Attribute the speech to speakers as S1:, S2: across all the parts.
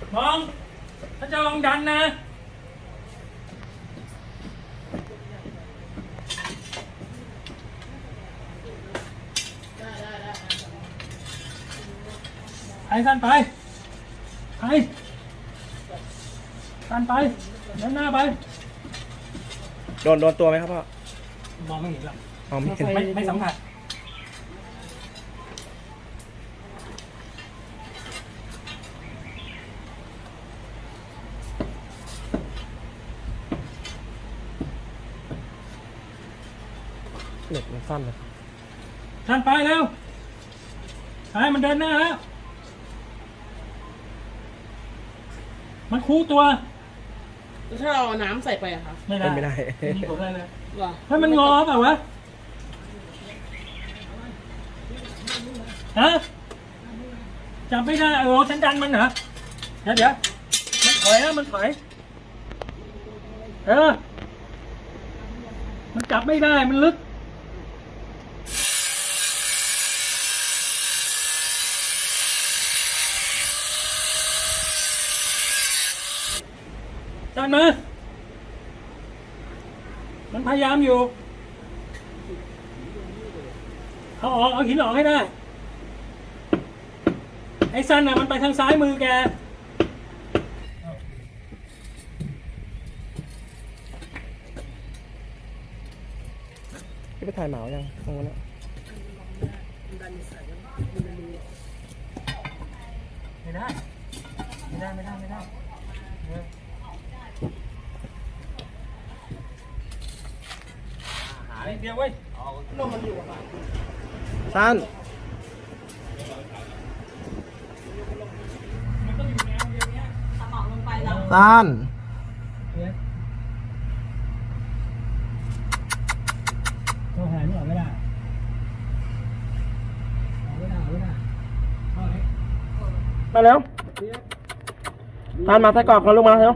S1: มองถ้าจะลองดันนะไปสั้นไปสั้นไปเดินหน้าไป
S2: โดนตัวไหมครับพ่อ
S1: มองไม่เห็นหรอก
S2: ไม่เห็น
S1: ไม่สัมผัส
S2: เหล็กมันสั้นเลย
S1: สั้นไปเร็วไปมันเดินหน้าแล้วมันคู่ตัว
S3: แล้วถ้าเราเอาน้ำใส่ไปอะคะ
S2: ไม่ได้
S1: มีผลอะไรเลย
S3: หรอ
S1: ให้มันงอเปล่าวะฮะจับไม่ได้ฉันดันมันเหรอเดี๋ยวมันถอยนะมันถอยมันจับไม่ได้มันลึกดันมามันพยายามอยู่เอาหินออกให้ได้ไอ้ซันน่ะมันไปทางซ้ายมือแก
S2: พี่ไปถ่ายหมายังตรงนั้น
S1: ไม่ได้หาเดียวเว้ยลมมันอยู่อ่ะ
S2: สั้นสั้น
S1: ตัวหายนี่ออกไม่ได้
S2: มาเร็วทานมาใส่กรอบกันลูกมาเร็ว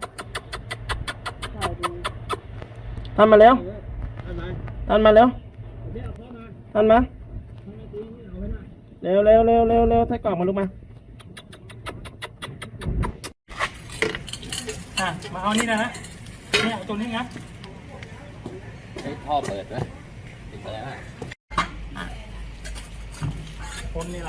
S2: ทานมาเร็วทานมาเร็วทานมาเร็วใส่กรอบมาลูกมา
S1: มาเอานี่นะฮะนี่เอาตัวนี้งัด
S4: ท่อเปิดไหมติดไปแล้ว
S1: คนนี่แหละ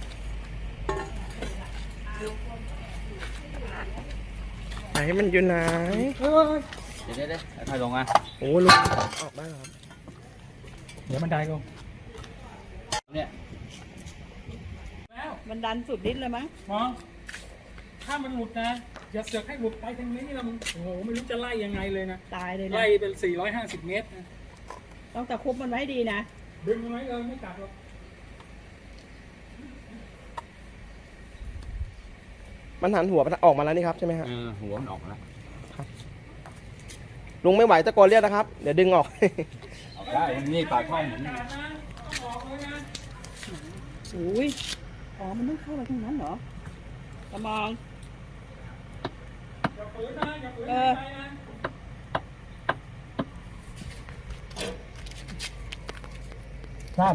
S2: ไหนมันอยู่ไหน
S4: เดี๋ยวค่อยลงอ่ะ
S2: โอ้ลุงออกได้ครับ
S1: เดี๋ยวมันได้ลง
S4: เนี่ย
S3: แล้วมันดันสุดฤทธิ์เลยมั้ง
S1: มองถ้ามันหลุดนะอย่าเสือกให้หลุดไปทางนี้เราโอ้โหไม่รู้จะไล่ยังไงเลยนะ
S3: ตายเลยนะ
S1: ไล่เป็น450 เมตรนะ
S3: ต้องตะคุบมันไว้ดีนะ
S1: ดึงมันไว้เลยไม่กัดหรอก
S2: มันหันหัวออกมาแล้วนี่ครับใช่ไหมฮะ
S4: หัวมันออกแล้ว
S2: ลุงไม่ไหวตะโกนเรียกนะครับเดี๋ยวดึงออก
S4: ได้นี่ปากท่อเหมือน
S3: อุ้ยมันต้องเข้าไปตรงนั้นเหรอตะมอง
S1: สั้น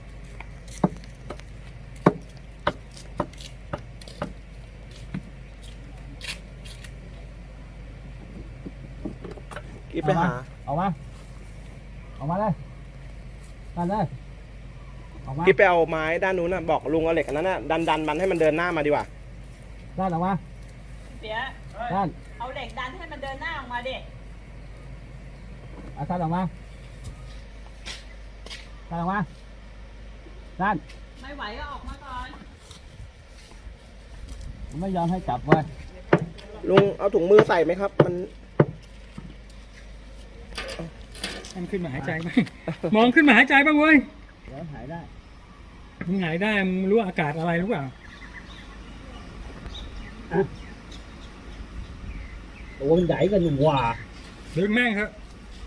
S2: กิ๊บไปหา
S1: ออกมาเลยสั้นเลย
S2: กิ๊บไปเอาไม้ด้านนู้นน่ะบอกลุงเอาเหล็กอันนั้นน่ะดันมันให้มันเดินหน้ามาดีกว่า
S1: สั้นออกมา
S3: เดี๋ยว
S1: สั้น
S3: เอาเหล็กดันให้มันเดินหน้าออกมาดิ
S1: สั้นออกมาสั้น
S3: ไม่ไหวก็ออกมาก่อน
S1: ไม่ยอมให้จับเว้ย
S2: ลุงเอาถุงมือใส่ไหมครับมัน
S1: ขึ้นมาหายใจไหมมองขึ้นมาหายใจบ้างเว้ย
S4: เดี๋ยวหายได้
S1: มึงหายได้มึงรู้อากาศอะไรรู้เปล่า
S4: ตัวมันใหญ่กันอยู่ว่า
S1: ดึงแม่งครับ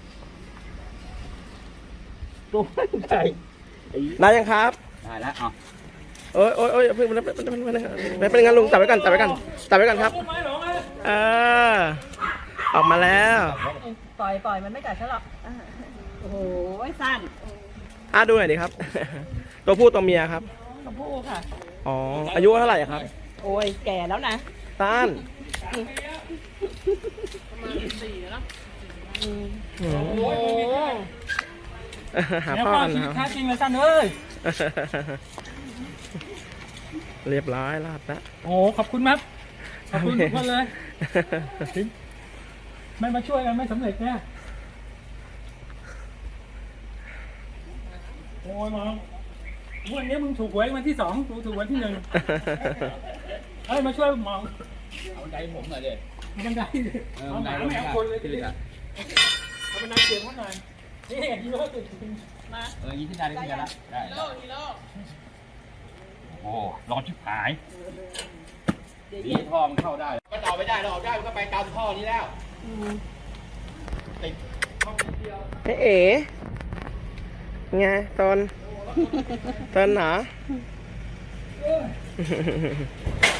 S4: ตัวมันใหญ่
S2: ได้ยังครับ
S4: ได้แล้ว
S2: โอ้ยเพิ่งไม่เป็นงั้นลุงจับไว้ก่อนครับออกมาแล้ว
S3: ปล่อยมันไม่กัดฉันหรอกโอ้โหสั้น
S2: ดูหน่อยดิครับตัวผู้ตัวเมียครับ
S3: ตัวผู้ค่ะ
S2: อ๋ออายุเท่าไหร่ครับ
S3: โอ้ยแก่แล้วนะ
S2: เท่ต้านหา
S1: แล้ว
S2: พ่อ
S1: ก็
S2: กัน
S1: ชี
S2: นะ
S1: วิต
S2: ค
S1: แท้
S2: รับ
S1: จริงเลยสั้นเอ้ย
S2: เรียบร้อยลาดละ
S1: โอ้ขอบคุณครับขอบคุณทุกคนเลยไม่มาช่วยกันไม่สำเร็จแน่โอ้ยมองวันนี้มึงถูกหวยวันที่2กูถูกวันที่1เฮ้ยมาช่วยมอง
S4: เอาใจผมหน่อยดิ
S1: เอาบันไดดิเอาหมาไม่เอาคนเลยทีเดียวเอาบันไดเสียงเขาหน่อยนี่ฮีโร่ติดจริงมา
S4: ยิงขึ้นได้ได้ขึ้นได้ละได้โอ้ร้อนชิบหายดีท่อมันเข้าได้ก็ต่อไม่ได้เราออกได้มันก็ไปตามท่อนี้แล้วติดท่อนิดเดียว
S2: เอ๋ไงตนเหรอ